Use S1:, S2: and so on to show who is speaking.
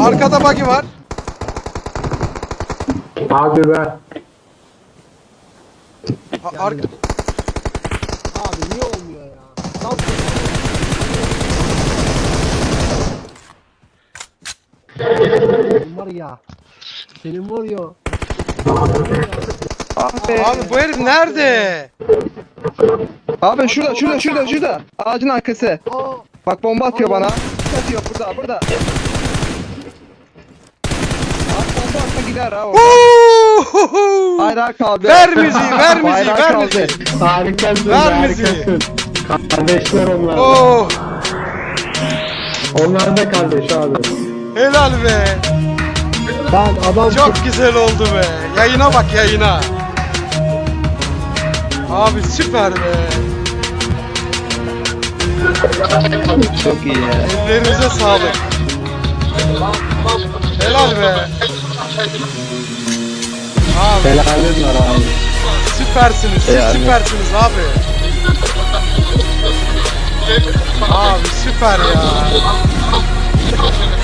S1: Arkada buggy var.
S2: Abi be.
S3: Abi niye olmuyor ya? Lan senin var ya. Senin var ya.
S1: Abi bu herif nerede?
S4: Abi şurada. Ağacın arkası.
S3: Aa,
S4: Bak bomba atıyor bana. Atıyor burada. Abi bomba atsa gider ha orada.
S1: Huuuuhu!
S4: Bayrağı kaldı.
S1: Ver müziği, ver müziği,
S4: Bayrağı
S1: ver
S4: kaldı.
S1: müziği.
S2: Harikasın.
S1: Ver müziği.
S2: Harikasın. Kardeşler onlar.
S1: Oh,
S2: Onlar da kardeş abi.
S1: helal be.
S3: ben adam
S1: Çok güzel oldu be. Yayına bak yayına. Abi süper be.
S4: Çok iyi ya.
S1: Ellerinize sağlık. Helal be. Abi
S2: Helalin var abi.
S1: süpersiniz. Siz
S4: Yani.
S1: süpersiniz abi. Abi süper ya.